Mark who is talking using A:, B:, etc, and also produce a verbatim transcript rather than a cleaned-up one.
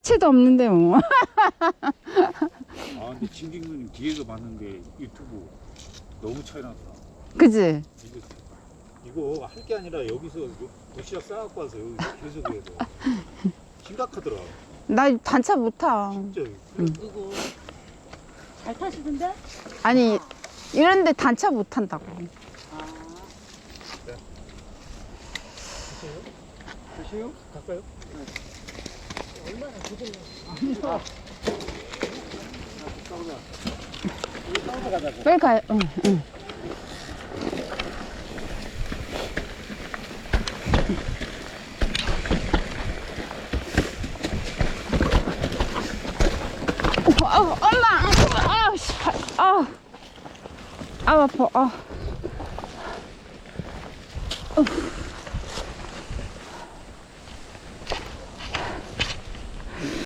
A: 채도 없는데 뭐.
B: 아 근데 진경님 뒤에서 봤는데 유튜브 너무 차이 났다.
A: 그지?
B: 이거 이거 할 게 아니라 여기서 도시락 싸갖고 와서 여기 계속 해야 돼. 심각하더라.
A: 나 단차 못 타.
B: 진짜.
C: 누구? 잘 타시던데?
A: 아니 이런데 단차 못 탄다고.
C: 아,
B: 드세요? 갈까요?
C: 얼마나 고생을.
B: 싸우자. 우리 싸우자 가자고.
A: 빨리 가요. 응, 응. 어, 어, 엄마, 아우, 씨, 아우, 아우, 아파, 아.